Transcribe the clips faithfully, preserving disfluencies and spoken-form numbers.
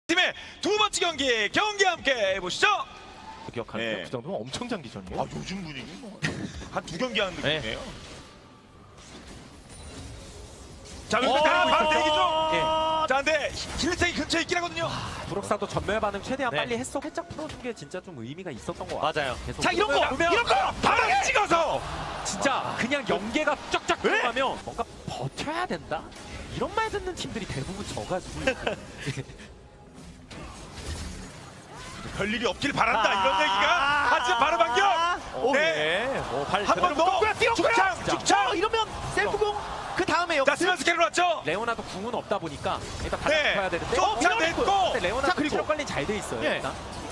팀의 두 번째 경기 경기 함께 해보시죠. 기억하는데 네. 그 정도면 엄청 장기전이에요. 아 요즘 분위기 한 두 경기 하는 느낌이에요. 네. 자 그럼 어, 바로 대기 중. 예. 자 근데 힐링이 근처에 있긴 하거든요. 브록사도 전멸 반응 최대한 네. 빨리 했어. 살짝 풀어준 게 진짜 좀 의미가 있었던 것 같아. 맞아요. 계속 자 이런 거 보면 이런 거 바로 찍어서 진짜 그냥 연계가 쫙쫙 왜? 들어가면 뭔가 버텨야 된다. 이런 말 듣는 팀들이 대부분 져가지고 별일이 없길 바란다 이런 얘기가 하지만 바로 반격. 오, 네. 네. 오, 발 한 번 더. 뛰었고요. 죽창 자, 죽창. 어, 이러면 셀프공 그 다음에 자 역습. 스면스 캐롤 왔죠. 레오나도 궁은 없다 보니까 일단 네. 받아야 되는데 쫓아 어, 냈고. 근데 레오나 자, 그리고. 체력 관리 잘 돼 있어요. 예. 일단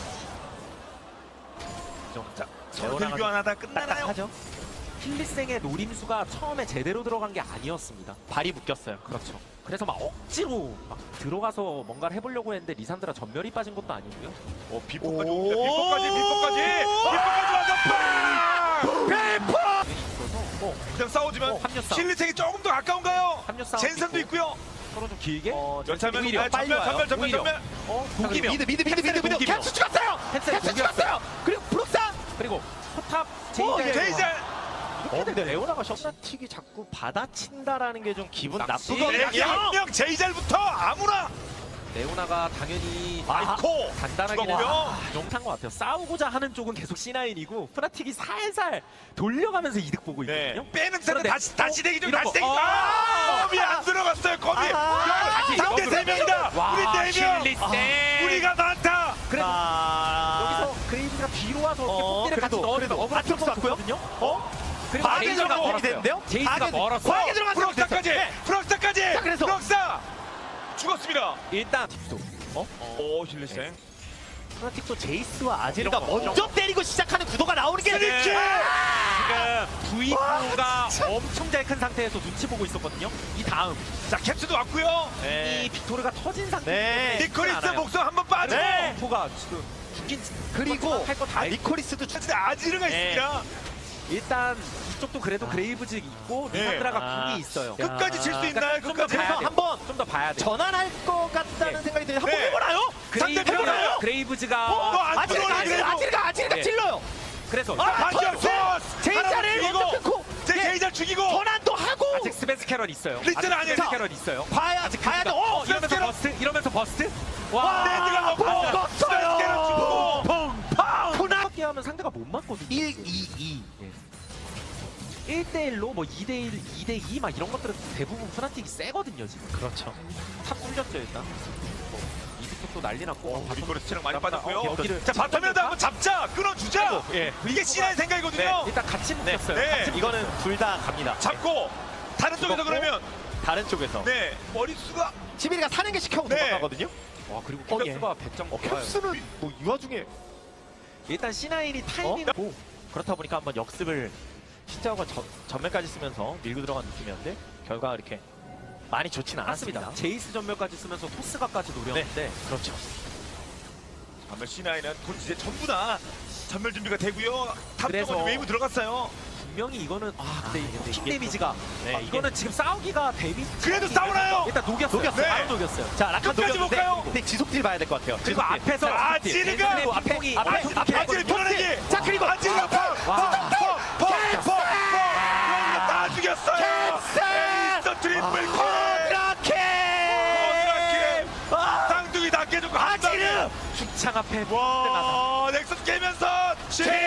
자 서로 레오나가 교환하다 끝나나요? 딱딱하죠. 힐리생의 노림수가 처음에 제대로 들어간 게 아니었습니다. 발이 묶였어요. 그렇죠. 그래서 막 억지로 막 들어가서 뭔가를 해보려고 했는데 리산드라 전멸이 빠진 것도 아니고요. 어 비포까지 오. 옵니다. 비포까지 비포까지 비포까지 와서 팡! 비포! 있어서 뭐 그냥 싸우지만 어, 합류 싸움. 힐리생이 조금 더 가까운가요? 합류 싸움 젠선도 있고. 있고요. 서로 좀 길게 어, 연차면 오히려 아, 빨리 전멸 와요. 전멸 전멸 오히려. 전멸. 어 독이며. 독이며 미드 미드 미드 미드 미드 독이며. 캡스 죽었어요. 캡스 캡스 독이었어요. 죽었어요. 그리고 브룩사. 그리고 포탑 어, 제이제 제이제 어, 근데 레오나가 셔츠틱이 자꾸 받아친다라는 게 좀 기분 낚시. 나쁘거든요. 여기 한명 제이젤부터 아무나 레오나가 당연히 아이코 간단하게 죽었고요. 용탄 것 같아요. 싸우고자 하는 쪽은 계속 씨나인이고 프나틱이 살살 돌려가면서 이득 보고 네. 있거든요. 빼는 텐데 그런데 다시 다시 대기 좀 이런 다시 거. 대기 좀. 아. 아, 거미 안 들어갔어요. 거미. 아. 상대 세 명이다. 우리 네 명. 힐리생. 우리가 많다. 그래도 아. 여기서 그레이브가 뒤로 와서 이렇게 어, 폭대를 같이 그래도, 넣어도 그래도. 억울한 앞쪽 쪽도 쐈고요? 없거든요. 어? 그리고 과하게 제이스가 들어간 멀었어요. 되는데요? 제이스가 과하게 멀었어. 과하게 들어갔어요. 프록사까지. 프록사까지. 자, 그래서. 프록사 죽었습니다. 일단 딥소. 어? 오 힐리생. 프라틱도 제이스와 아지르가 이런 거, 먼저 이런 때리고 시작하는 구도가 나오는 게 스리키! 지금 브이구가 엄청 잘 큰 상태에서 눈치 보고 있었거든요. 이 다음 자 캡스도 왔고요. 이 빅토르가 터진 상태. 네. 니콜리스 목숨 한번 빠지고. 네. 가 지금 죽긴 그리고 할거다 아, 니콜리스도 죽. 근데 아지르가 네. 있습니다. 일단 이쪽도 그래도 그레이브즈 있고 네. 리산드라가 아. 궁이 있어요. 끝까지 칠 수 있나요? 좀더 끝까지. 봐야 그래서 돼. 한번 좀 더 봐야 돼. 전환할 것 같다는 네. 생각이 드는데 한번 네. 해보나요? 상대 그레이브즈가 해보나요? 그레이브즈가 어, 너 안 아지르가 들어오네, 아지르가 그래도. 아지르가 아지르가 네. 찔러요. 그래서 아 반격 소스. 제이자를 먼저 끊고 제 예. 제이자 죽이고. 전환도 하고 아직 스펜스 캐럴 있어요. 리스는 아직 아니에요. 스펜스 캐럴 있어요. 봐야 아직 봐야 돼. 어, 어, 이러면서 스펜스 캐럴. 버스트 이러면서 버스트. 와, 와. 랜드가 먹고. 먹었어요. 스펜스케를 죽고. 펑펑. 코나 하게 하면 상대가 못 맞거든요. 일, 이, 이. 일 대 일로 뭐 이 대 일, 이 대 이 막 이런 것들은 대부분 푸나틱이 세거든요 지금. 그렇죠. 탑 뚫렸죠 일단. 뭐 이득 쪽도 난리 났고. 니콜리스 체력 많이 어, 빠졌고요. 여기를 자 바텀에도 한번 잡자. 끊어주자. 예. 이게 신의 생각이거든요. 일단 같이 묶였어요. 네. 같이 이거는 둘 다 갑니다. 잡고 다른 쪽에서 죽었고. 그러면 다른 쪽에서. 네 머릿수가 지민이가 사는 게 시켜고 네. 도망가거든요. 와 그리고 어, 예. 캡스가 백 점 어, 캡스는 뭐 이 와중에 일단 씨나인이 타이밍고 그렇다 보니까 한번 역습을 신자오가 저- 전멸까지 쓰면서 밀고 들어간 느낌이었는데 결과가 이렇게 많이 좋지는 않았습니다. 않았습니다. 제이스 전멸까지 쓰면서 토스가까지 노렸는데 그렇죠. 전멸 씨나이는 곧 이제 전부 다 전멸 준비가 되고요. 탑 그래서- 쪽은 웨이브 들어갔어요. 분명히 이거는 아 근데 아, 이게 근데 팀 이게 데미지가 네, 아, 이게- 이거는 지금 싸우기가 데미지 그래도 싸우나요? 일단 녹였어요. 녹였어요. 네. 바로 녹였어요. 자, 라칸 끝까지 녹였는데 볼까요? 근데 지속딜 봐야 될 것 같아요. 그리고 지속딜. 앞에서 자, 아지르가 앞에 앞에, 핑퐁이 앞에, 앞에 앞에, 아지르 편안하게. 자, 그리고 아지르가 펑! 와. 펑! 펑! 펑! 펑! 여기가 다 죽였어요. 캡스! 에이스 트리플 킬. 이렇게 쌍둥이 다 깨주고 한 방에. 아지르 죽창 앞에 와 넥서스 깨면서 제이스!